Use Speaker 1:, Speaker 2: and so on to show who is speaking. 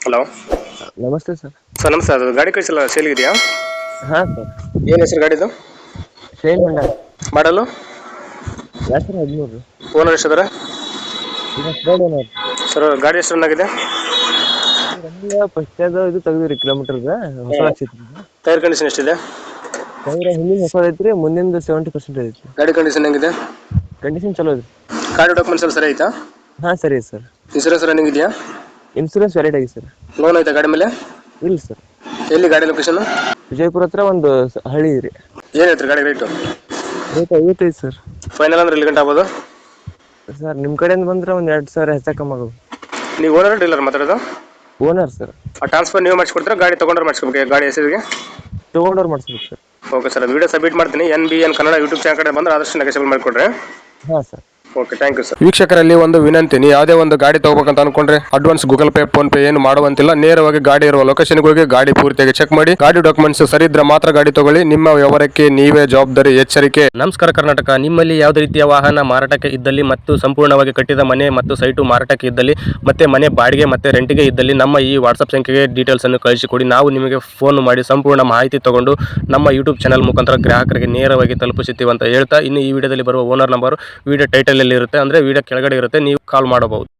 Speaker 1: Hello
Speaker 2: ನಮಸ್ತೆ sir.
Speaker 1: Sir ನಮಸ್ತೆ. ಅದು ಗಾಡಿ ಕಳಿಸಲ್ಲ ಸೇಲ್ಗಿದೆಯಾ?
Speaker 2: ಹಾಂ ಸರ್.
Speaker 1: ಏನು ಹೆಸರು ಗಾಡಿದು?
Speaker 2: ಶೈನ್ ಹೊಂಡ.
Speaker 1: ಮಾಡಲು?
Speaker 2: 2013
Speaker 1: ಓನರ್ ಎಷ್ಟಿದ್ದಾರೆ?
Speaker 2: ಈಗ ಥರ್ಡ್ ಓನರ್.
Speaker 1: ಸರ್ ಗಾಡಿ ಎಷ್ಟು ರನ್ ಆಗಿದೆ?
Speaker 2: ಫಸ್ಟ್ ಇದು ತೆಗ್ದಿರಿ ಕಿಲೋಮೀಟರ್ಗೆ ಹೊಸ ಹಾಕ್ಸಿದ್ರಿ.
Speaker 1: ಟೈರ್ ಕಂಡೀಷನ್ ಎಷ್ಟಿದೆ?
Speaker 2: ಟೈರ್ ಹಿಂದಿನ ಹೊಸದು ಐತ್ರಿ, ಮುಂದಿನ 70% ಐತಿ.
Speaker 1: ಗಾಡಿ ಕಂಡೀಷನ್ ಹೆಂಗಿದೆ?
Speaker 2: ಕಂಡೀಷನ್ ಚಲೋ ಐತ್ರಿ.
Speaker 1: ಗಾಡಿ ಡಾಕ್ಯುಮೆಂಟ್ಸ್ ಎಲ್ಲ ಸರಿ ಐತಾ?
Speaker 2: ಹಾಂ ಸರಿ ಸರ್.
Speaker 1: ಇನ್ಸೂರೆನ್ಸ್ ರನ್ನಿಂಗ್ ಇದೆಯಾ?
Speaker 2: ಇನ್ಸೂರೆನ್ಸ್ ವ್ಯಾಲಿಡ್ ಆಗಿ ಸರ್.
Speaker 1: ಲೋನ್ ಐತಾ ಗಾಡಿ ಮೇಲೆ?
Speaker 2: ಇಲ್ಲ ಸರ್.
Speaker 1: ಎಲ್ಲಿ ಗಾಡಿ ಲೊಕೇಶನ್?
Speaker 2: ವಿಜಯಪುರ ಹತ್ರ ಒಂದು ಹಳ್ಳಿ ರೀ.
Speaker 1: ಏನು ಹೇಳ್ತೀರಿ ಗಾಡಿ ರೇಟು?
Speaker 2: Rate 55 sir.
Speaker 1: ಫೈನಲ್ ಅಂದ್ರೆ ಎಲ್ಲಿ ಗಂಟೆ ಆಗ್ಬೋದು
Speaker 2: ಸರ್? ನಿಮ್ಮ ಕಡೆಯಿಂದ ಬಂದ್ರೆ ಒಂದು 2,000 ಹೆಚ್ಚು ಕಮ್ಮಿ ಆಗೋದು.
Speaker 1: ನೀವು ಓನರ್ ಡೀಲರ್ ಮಾತಾಡೋದು?
Speaker 2: Owner sir.
Speaker 1: ಆ ಟ್ರಾನ್ಸ್ಫರ್ ನೀವು ಮಾಡಿಸ್ಕೊಡ್ತೀರಾ ಗಾಡಿ ತೊಗೊಂಡ್ರೆ ಮಾಡಿಸ್ಕೋಬೇಕು ಗಾಡಿ ಹೆಸರಿಗೆ?
Speaker 2: ತೊಗೊಂಡವ್ರು ಮಾಡಿಸ್ಬೇಕು ಸರ್.
Speaker 1: ಓಕೆ ಸರ್, ಅದು ವಿಡಿಯೋ ಸಬ್ಮಿಟ್ ಮಾಡ್ತೀನಿ. NBN ಕನ್ನಡ ಯೂಟ್ಯೂಬ್ ಚಾನಲ್ ಕಡೆ ಬಂದ್ರೆ ಆದಷ್ಟು ನೆಗೆಸಬಲ್ ಮಾಡಿಕೊಡ್ರಿ.
Speaker 2: ಹಾಂ sir.
Speaker 1: Okay, thank you sir. ವೀಕ್ಷಕರಲ್ಲಿ ಒಂದು ವಿನಂತಿ, ನೀವು ಯಾವುದೇ ಒಂದು ಗಾಡಿ ತಗೋಬೇಕಂತ ಅನ್ಕೊಂಡ್ರೆ advance Google Pay PhonePe ಏನು ಮಾಡುವಂತಿಲ್ಲ. ನೇರವಾಗಿ ಗಾಡಿ ಇರುವ ಲೊಕೇಶನ್ಗೆ ಹೋಗಿ ಗಾಡಿ ಪೂರ್ತಿಯಾಗಿ ಚೆಕ್ ಮಾಡಿ, ಗಾಡಿ ಡಾಕ್ಯುಮೆಂಟ್ಸ್ ಸರಿ ಇದ್ರೆ ಮಾತ್ರ ಗಾಡಿ ತಗೊಳ್ಳಿ. ನಿಮ್ಮ ವ್ಯವಹಾರಕ್ಕೆ ನೀವೇ ಜವಾಬ್ದಾರಿ. ಎಚ್ಚರಿಕೆ.
Speaker 3: ನಮಸ್ಕಾರ ಕರ್ನಾಟಕ. ನಿಮ್ಮಲ್ಲಿ ಯಾವುದೇ ರೀತಿಯ ವಾಹನ ಮಾರಾಟಕ್ಕೆ ಇದ್ದಲ್ಲಿ ಮತ್ತು ಸಂಪೂರ್ಣವಾಗಿ ಕಟ್ಟಿದ ಮನೆ ಮತ್ತು ಸೈಟು ಮಾರಾಟಕ್ಕೆ ಇದ್ದಲ್ಲಿ ಮತ್ತೆ ಮನೆ ಬಾಡಿಗೆ ಮತ್ತೆ ರೆಂಟಿಗೆ ಇದ್ದಲ್ಲಿ ನಮ್ಮ ಈ ವಾಟ್ಸಪ್ ಸಂಖ್ಯೆಗೆ ಡೀಟೇಲ್ಸ್ ಅನ್ನು ಕಳಿಸಿಕೊಡಿ. ನಾವು ನಿಮಗೆ ಫೋನ್ ಮಾಡಿ ಸಂಪೂರ್ಣ ಮಾಹಿತಿ ತಗೊಂಡು ನಮ್ಮ ಯೂಟ್ಯೂಬ್ ಚಾನಲ್ ಮುಖಾಂತರ ಗ್ರಾಹಕರಿಗೆ ನೇರವಾಗಿ ತಲುಪಿಸುತ್ತೀವಿ ಅಂತ ಹೇಳ್ತಾ, ಇನ್ನು ಈ ವಿಡಿಯೋದಲ್ಲಿ ಬರುವ ಓನರ್ ನಂಬರ್ ವಿಡಿಯೋ ಟೈಟಲ್ ಅಲ್ಲಿ ಇರುತ್ತೆ, ಅಂದ್ರೆ ವಿಡಿಯೋ ಕೆಳಗಡೆ ಇರುತ್ತೆ, ನೀವು ಕಾಲ್ ಮಾಡಬಹುದು.